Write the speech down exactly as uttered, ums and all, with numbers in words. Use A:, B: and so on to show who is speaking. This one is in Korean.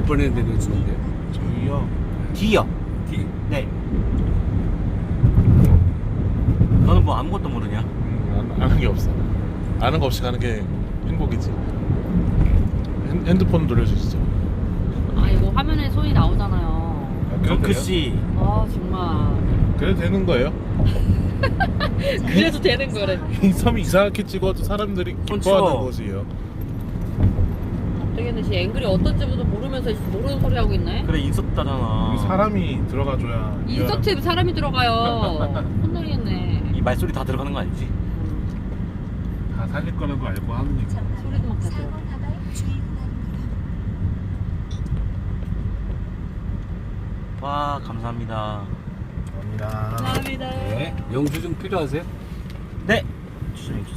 A: 번에 내려주는데요?
B: 저희요.
C: D요.
A: D.
C: 네. 너는 뭐 아무것도 모르냐?
B: 음, 안- 아는 게 없어. 아는 거 없이 가는 게 행복이지. 핸, 핸드폰 돌려주시죠.
D: 아 이거 화면에 손이 나오잖아요.
B: 아, 그래도
C: 정크
B: 돼요?
C: 씨.
D: 아 정말.
B: 그래도 되는 거예요?
D: 그래도 되는 거래.
B: 이 섬이 이상하게 찍어도 사람들이
C: 손
B: 기뻐하는
C: 치워.
B: 곳이에요.
D: 되겠네. 씨 앵글이 어떤지도 모르면서 모르는 소리 하고 있네.
C: 그래 인서트잖아.
B: 여기 사람이 들어가줘야.
D: 인서트에 사람이 들어가요. 혼나겠네.
C: 이 말소리 다 들어가는 거 아니지?
B: 다 살릴 거라고 알고 하는 얘기.
D: 소리도 막 다 들어.
C: 와 감사합니다.
B: 감사합니다.
D: 감사합니다.
A: 네. 영수증 필요하세요?
C: 네. 주장해 주세요.